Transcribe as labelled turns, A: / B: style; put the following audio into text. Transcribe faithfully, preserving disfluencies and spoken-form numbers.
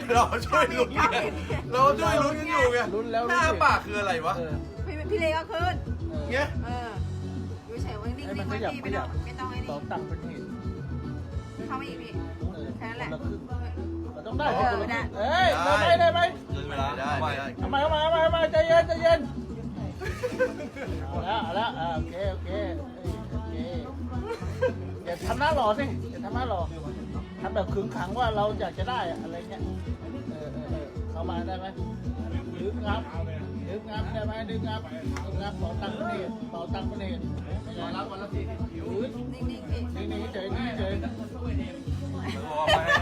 A: เราช่วยลุ้นไงเราช่วยลุ้นกันอยู่ไง
B: ลุ้นแล้ว
A: หน้าปากคืออะไรวะ
B: เออ
C: พี่พี่เลก็ขึ้น
A: เงี้ย
C: เอออยู่เฉยไว้นิ่ง
B: ให้มัน
C: ๆ
B: ข
C: ไว้
B: ยับ
C: พี่
B: ข
C: ไม่ต้
B: ยั
C: อบ งไม่ต้องไอ้
B: ส
C: นี่
B: องตังค์เป็นเหตุ
C: เข้ามาอีกพี่
B: เออ
C: แค่นั้นแหละ
B: คนละครึ่งมันต้องได้
C: เอ
B: สิ
C: อ
B: คนละค
C: ได้
B: รึ่งเอ้ยได้ไหมได้ไหม
D: เกินเวลา
A: ได้
D: ไป
A: ได้
B: ทำไมทำไมทำไมทำไมใจเย็นใจเย็นเอาละเอาละอ่าโอเคโอเคโอเคอย่าทำหน้าหล่อสิอย่าทำหน้าหล่อทำแบบขึงขังว่าเราอยากจะได้อะอะไรเงี้ยเออเออเออเข้ามาได้ไหมดึงงับดึงงับได้ไหมดึงงับดึงงับเป่าตังค์เป็นเหตุเป่าตังค์เป็นเหตุขอรับวันละสี่สิบยืด
C: นิ่งๆพี่
B: นี่นี่เฉยนี่เฉย
D: แล้วบอกว่าไม่ให้